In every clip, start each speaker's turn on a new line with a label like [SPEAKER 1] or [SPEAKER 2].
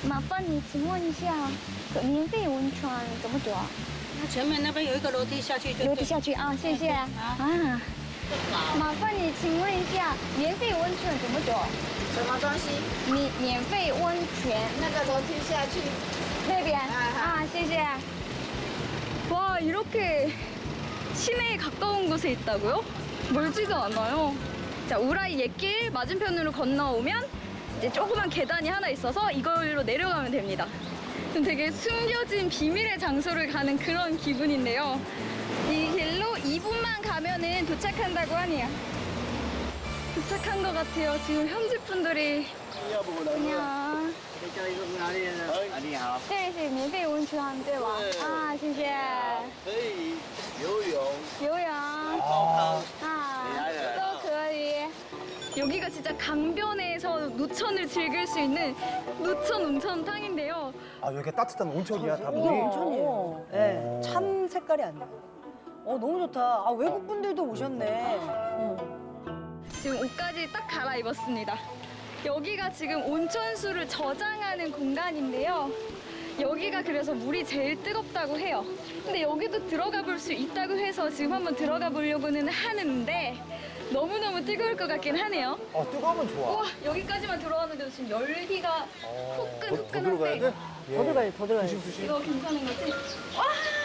[SPEAKER 1] 麻烦你请问一下，免费温泉怎么走啊？
[SPEAKER 2] 那前面那边有一个楼梯下去就对。
[SPEAKER 1] 楼梯下去啊，谢谢啊。麻烦你请问一下，免费温泉怎么走？
[SPEAKER 3] 什么东西？
[SPEAKER 1] 免费温泉
[SPEAKER 3] 那个楼梯下去。
[SPEAKER 1] 那边啊，谢谢。와, 이렇게 시내에 가까운 곳에 있다고요? 멀지도 않아요. 자, 우라이 옛길 맞은편으로 건너오면 이제 조그만 계단이 하나 있어서 이걸로 내려가면 됩니다. 좀 되게 숨겨진 비밀의 장소를 가는 그런 기분인데요. 이 길로 2분만 가면은 도착한다고 하네요. 도착한 것 같아요. 지금 현지 분들이. 안녕.
[SPEAKER 4] 你好，
[SPEAKER 1] 这是免费温泉对吧？啊，谢谢。
[SPEAKER 4] 可以游泳、
[SPEAKER 1] 游泳
[SPEAKER 4] 泡汤，
[SPEAKER 1] 아, 또 그리. 여기가 진짜 강변에서 노천을 즐길 수 있는 노천 온천탕인데요.
[SPEAKER 5] 아, 여기 따뜻한 온천이야, 다
[SPEAKER 6] 이게
[SPEAKER 5] 물이?
[SPEAKER 6] 온천이에요. 네, 참 색깔이 안 나. 너무 좋다. 아, 외국 분들도 오셨네.
[SPEAKER 1] 지금 옷까지 딱 갈아입었습니다. 여기가 지금 온천수를 저장하는 공간인데요. 여기가 그래서 물이 제일 뜨겁다고 해요. 근데 여기도 들어가 볼 수 있다고 해서 지금 한번 들어가 보려고는 하는데 너무너무 뜨거울 것 같긴 하네요.
[SPEAKER 5] 뜨거우면 좋아.
[SPEAKER 1] 우와, 여기까지만 들어왔는데도 지금 열기가
[SPEAKER 5] 더 들어가야 돼?
[SPEAKER 1] 후끈후끈한데
[SPEAKER 6] 더 들어가야 돼, 더 들어가야 돼.
[SPEAKER 1] 이거 괜찮은 거지? 와!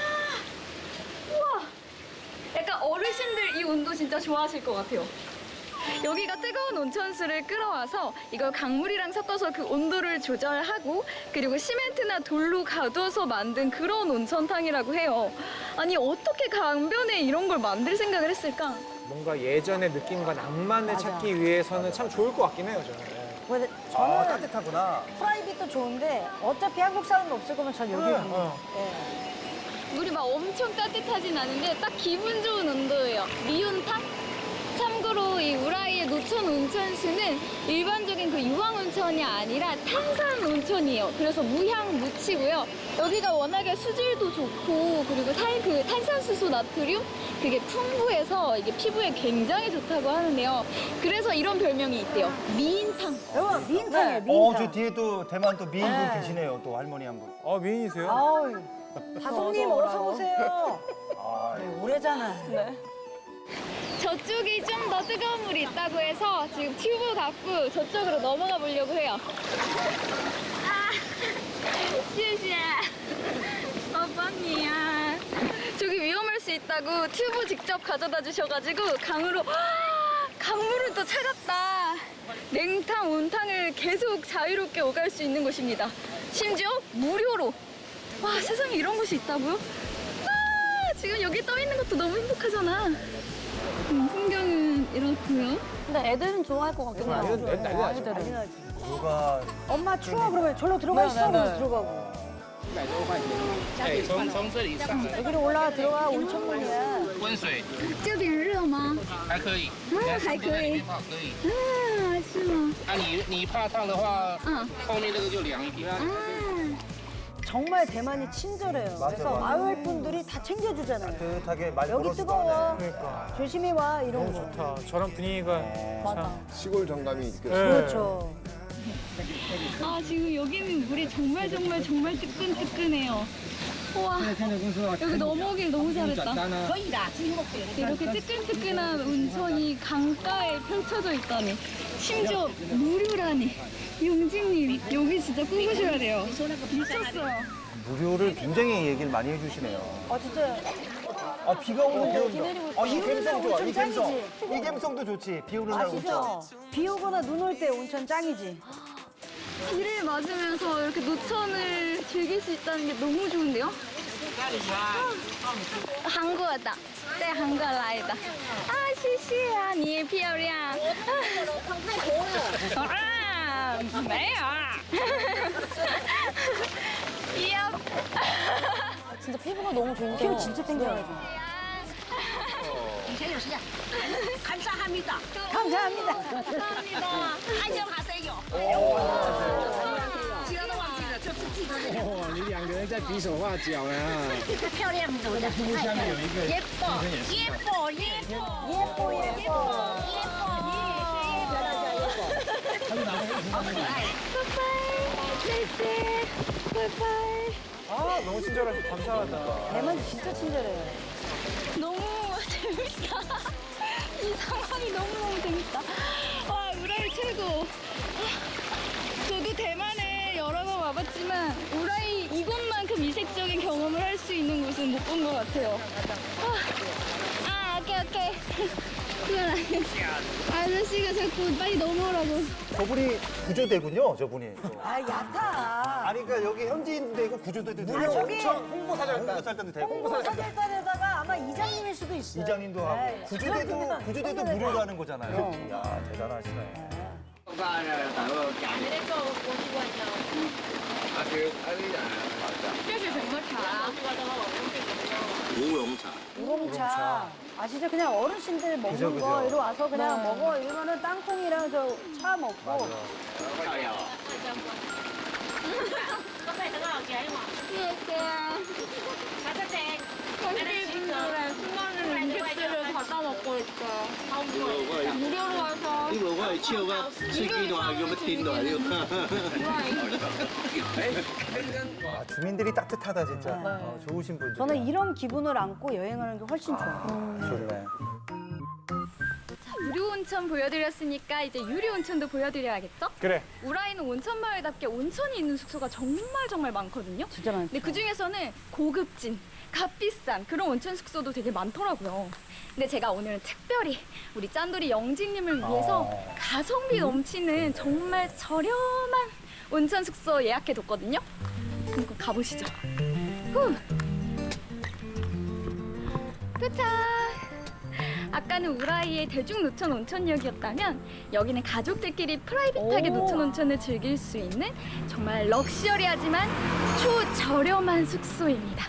[SPEAKER 1] 우와! 약간 어르신들 이 온도 진짜 좋아하실 것 같아요. 여기가 뜨거운 온천수를 끌어와서 이걸 강물이랑 섞어서 그 온도를 조절하고 그리고 시멘트나 돌로 가둬서 만든 그런 온천탕이라고 해요. 아니 어떻게 강변에 이런 걸 만들 생각을 했을까?
[SPEAKER 5] 뭔가 예전의 느낌과 낭만을
[SPEAKER 6] 맞아.
[SPEAKER 5] 찾기 위해서는 참 좋을 것 같긴 해요, 저는.
[SPEAKER 6] 근데
[SPEAKER 5] 아,
[SPEAKER 6] 저는
[SPEAKER 5] 따뜻하구나.
[SPEAKER 6] 프라이빗도 좋은데 어차피 한국 사람이 없을 거면 전 여기 갑니다.
[SPEAKER 1] 물이 막 엄청 따뜻하진 않은데 딱 기분 좋은 온도예요. 미온탕? 참고로 이 우라이의 노천 온천수는 일반적인 그 유황 온천이 아니라 탄산 온천이에요. 그래서 무향 무치고요. 여기가 워낙에 수질도 좋고 그리고 탄산수소 나트륨 그게 풍부해서 이게 피부에 굉장히 좋다고 하는데요. 그래서 이런 별명이 있대요. 미인탕.
[SPEAKER 6] 여러분, 미인탕이에요, 미인탕.
[SPEAKER 7] 저 뒤에 또 대만 또 미인분
[SPEAKER 6] 네.
[SPEAKER 7] 계시네요. 또 할머니 한 분.
[SPEAKER 5] 미인이세요?
[SPEAKER 6] 아우, 다솜님 어서 오세요.
[SPEAKER 7] 아,
[SPEAKER 6] 네, 오래잖아.
[SPEAKER 1] 저쪽이 좀 더 뜨거운 물이 있다고 해서 지금 튜브 갖고 저쪽으로 넘어가 보려고 해요. 아, 谢谢. 오빠니야. 저기 위험할 수 있다고 튜브 직접 가져다 주셔가지고 강물은 또 차갑다. 냉탕, 온탕을 계속 자유롭게 오갈 수 있는 곳입니다. 심지어 무료로. 와, 세상에 이런 곳이 있다고요? 아, 지금 여기 떠 있는 것도 너무 행복하잖아. 풍경은 이렇고요.
[SPEAKER 6] 근데 애들은 좋아할 것 같긴 해요.
[SPEAKER 5] 난리 나죠.
[SPEAKER 6] 난리 나지.
[SPEAKER 7] 누가
[SPEAKER 6] 엄마 추워 그러면 절로 들어가 있어. 그러면 들어가고.
[SPEAKER 4] 100多块钱。哎，从这里上来，
[SPEAKER 6] 여기로 올라가 들어가 온천물이야.
[SPEAKER 4] 温水
[SPEAKER 1] 这边热吗？
[SPEAKER 4] 还可以，
[SPEAKER 1] 还可以。
[SPEAKER 4] 泡可以。
[SPEAKER 1] 啊，是吗？
[SPEAKER 4] 啊，你怕烫的话，后面那个就凉一点。
[SPEAKER 1] 啊，
[SPEAKER 6] 정말 대만이 친절해요.
[SPEAKER 7] 맞아,
[SPEAKER 6] 그래서
[SPEAKER 7] 맞아.
[SPEAKER 6] 마을 분들이 다 챙겨주잖아요.
[SPEAKER 7] 따뜻하게 많이
[SPEAKER 6] 여기
[SPEAKER 7] 걸어서
[SPEAKER 6] 뜨거워.
[SPEAKER 5] 그러니까.
[SPEAKER 6] 조심히 와 이런
[SPEAKER 5] 너무
[SPEAKER 6] 거.
[SPEAKER 5] 좋다. 저런 분위기가
[SPEAKER 6] 맞아.
[SPEAKER 8] 시골 정감이 느껴져요.
[SPEAKER 6] 그렇죠.
[SPEAKER 1] 아 지금 여기는 물이 정말 뜨끈뜨끈해요. 우와, 여기 넘어오길 너무 잘했다. 이렇게 뜨끈뜨끈한 온천이 강가에 펼쳐져 있다니. 심지어 무료라니. 용진님, 여기 진짜 꿀보셔야 돼요. 미쳤어요.
[SPEAKER 7] 무료를 굉장히 얘기를 많이 해주시네요.
[SPEAKER 6] 진짜.
[SPEAKER 7] 비가 오는 비
[SPEAKER 6] 비 내리고
[SPEAKER 7] 온다.
[SPEAKER 6] 있어.
[SPEAKER 7] 이
[SPEAKER 6] 비 오는
[SPEAKER 7] 감성
[SPEAKER 6] 날
[SPEAKER 7] 좋아. 이
[SPEAKER 6] 온천
[SPEAKER 7] 감성.
[SPEAKER 6] 짱이지.
[SPEAKER 7] 이 감성도 좋지. 비 오는 날 온천.
[SPEAKER 6] 아시죠? 비 오거나 눈 올 때 온천 짱이지.
[SPEAKER 1] 비를 맞으면서 이렇게 노천을 즐길 수 있다는 게 너무 좋은데요? 한국어다. 네, 한국어 라이다. 아, 谢谢啊,你漂亮. 아, 没有啊.
[SPEAKER 6] 진짜 피부가 너무 좋은 피부 진짜 땡겨가지고.
[SPEAKER 3] 감사합니다.
[SPEAKER 6] 감사합니다.
[SPEAKER 1] 감사합니다.
[SPEAKER 3] 안녕하세요. 记得都忘记了，这次记得了。
[SPEAKER 4] 哇，你两个人在比手画脚呢。
[SPEAKER 3] 漂亮的，
[SPEAKER 4] 下面有一个
[SPEAKER 3] 예뻐, 예뻐, 예뻐,
[SPEAKER 6] 예뻐, 예뻐.
[SPEAKER 3] 예뻐.
[SPEAKER 4] 他就拿回去。
[SPEAKER 1] 拜拜. 네, 바이바이.
[SPEAKER 5] 아, 너무 친절하고 감사하다.
[SPEAKER 6] 대만 진짜 친절해요.
[SPEAKER 1] 너무 재밌다. 이 상황이 너무너무 재밌다. 와, 우라이 최고. 저도 대만에 여러 번 와봤지만 우라이 이곳만큼 이색적인 경험을 할 수 있는 곳은 못 본 것 같아요. 오케이. 그건 아니에요. 아저씨가 자꾸 빨리 넘어오라고.
[SPEAKER 7] 저분이 구조대군요, 저분이.
[SPEAKER 6] 아, 얕아.
[SPEAKER 7] 아니, 그러니까 여기 현지인도 되고 구조대도 되고.
[SPEAKER 6] 아, 저기
[SPEAKER 7] 홍보사절단도 되고.
[SPEAKER 6] 홍보사절단에다가 아마 이장님일 수도 있어요.
[SPEAKER 7] 이장님도 하고.
[SPEAKER 6] 네.
[SPEAKER 7] 구조대도 무료로 하는 거잖아요. 이야, 대단하시네.
[SPEAKER 6] 우롱차. 아, 진짜 그냥 어르신들 먹는
[SPEAKER 7] 그죠,
[SPEAKER 6] 거
[SPEAKER 7] 그죠.
[SPEAKER 6] 이리 와서 그냥 먹어. 이러면은 땅콩이랑 저 차 먹고.
[SPEAKER 1] 현지분들의 수많은 음식들을 받아 먹고 있어요. 무료로 와서.
[SPEAKER 8] 이거 거 치어 가 스키도 하고 뭐 틴도 하고.
[SPEAKER 7] 아, 주민들이 따뜻하다, 진짜. 좋으신 분들.
[SPEAKER 6] 저는 이런 기분을 안고 여행하는 게 훨씬 좋아요.
[SPEAKER 7] 좋네.
[SPEAKER 1] 무료 온천 보여드렸으니까 이제 유료 온천도 보여드려야겠죠?
[SPEAKER 5] 그래.
[SPEAKER 1] 우라이는 온천 마을답게 온천이 있는 숙소가 정말 많거든요.
[SPEAKER 6] 진짜 많죠.
[SPEAKER 1] 근데 그 중에서는 고급진, 값비싼 그런 온천 숙소도 되게 많더라고요. 근데 제가 오늘은 특별히 우리 짠돌이 영진님을 위해서 가성비 넘치는 정말 저렴한 온천 숙소 예약해뒀거든요. 한번 가보시죠. 후. 도착! 아까는 우라이의 대중노천 온천역이었다면 여기는 가족들끼리 프라이빗하게
[SPEAKER 6] 오.
[SPEAKER 1] 노천 온천을 즐길 수 있는 정말 럭셔리하지만 초저렴한 숙소입니다.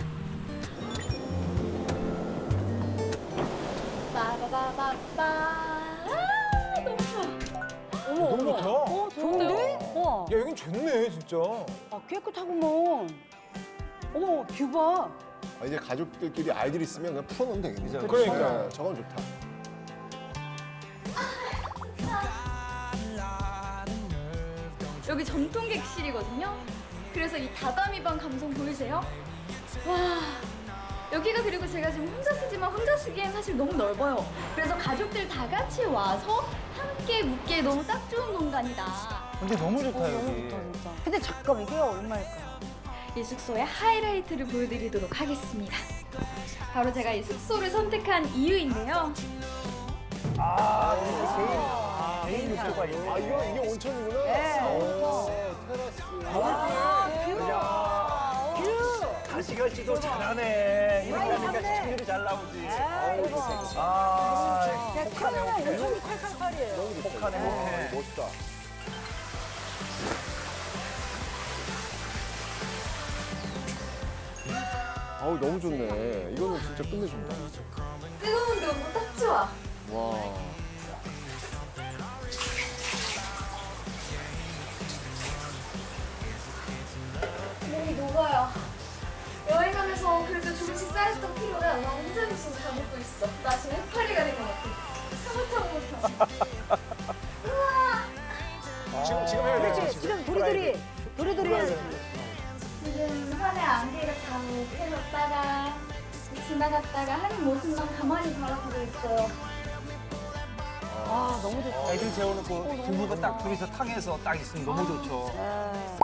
[SPEAKER 1] 빠바바바바. 너무 좋아.
[SPEAKER 5] 너무 좋다.
[SPEAKER 6] 어, 좋은데? 우와.
[SPEAKER 5] 야, 여긴 좋네, 진짜.
[SPEAKER 6] 아, 깨끗하구먼. 어머, 뷰 봐.
[SPEAKER 9] 아, 이제 가족들끼리 아이들 있으면 그냥 풀어놓으면 되겠네.
[SPEAKER 5] 그러니까.
[SPEAKER 9] 저건 좋다.
[SPEAKER 1] 여기 전통 객실이거든요. 그래서 이 다다미방 감성 보이세요? 와, 여기가 그리고 제가 지금 혼자 쓰지만 혼자 쓰기엔 사실 너무 넓어요. 그래서 가족들 다 같이 와서 함께 묵기에 너무 딱 좋은 공간이다.
[SPEAKER 7] 근데 너무 좋다, 여기.
[SPEAKER 6] 너무 좋다, 진짜. 근데 잠깐, 이게 얼마일까?
[SPEAKER 1] 이 숙소의 하이라이트를 보여드리도록 하겠습니다. 바로 제가 이 숙소를 선택한 이유인데요.
[SPEAKER 7] 개인 욕조가 있네.
[SPEAKER 9] 아, 이게 온천이구나.
[SPEAKER 6] 네.
[SPEAKER 9] 테라스.
[SPEAKER 6] 뷰!
[SPEAKER 7] 다시 갈지도 잘하네. 이렇게 하니까 시청률이 잘 나오지. 아,
[SPEAKER 6] 야, 태어나면 온천이 칼칼칼이에요.
[SPEAKER 7] 혹하네, 혹해.
[SPEAKER 9] 멋있다. 아우, 너무 좋네. 이거는 진짜 끝내준다.
[SPEAKER 1] 뜨거운데 너무 딱 좋아.
[SPEAKER 9] 와.
[SPEAKER 1] 몸이 녹아요. 여행하면서 그래도 조금씩 쌓였던 피로가 나 혼자 있어서 다 먹고 있어. 나 지금 해파리가 된 것 같아. 사과탕 우와.
[SPEAKER 5] 지금 해야 돼.
[SPEAKER 6] 그렇지, 지금 도리도리 해야지.
[SPEAKER 1] 지금 산에 안개가 다 펴졌다가 지나갔다가 하는 모습만 가만히 바라보고 있어요.
[SPEAKER 6] 아, 너무 좋다.
[SPEAKER 7] 애들 재워놓고 부부가 딱 둘이서 탕에서 딱 있으면 너무 좋죠.
[SPEAKER 6] 아,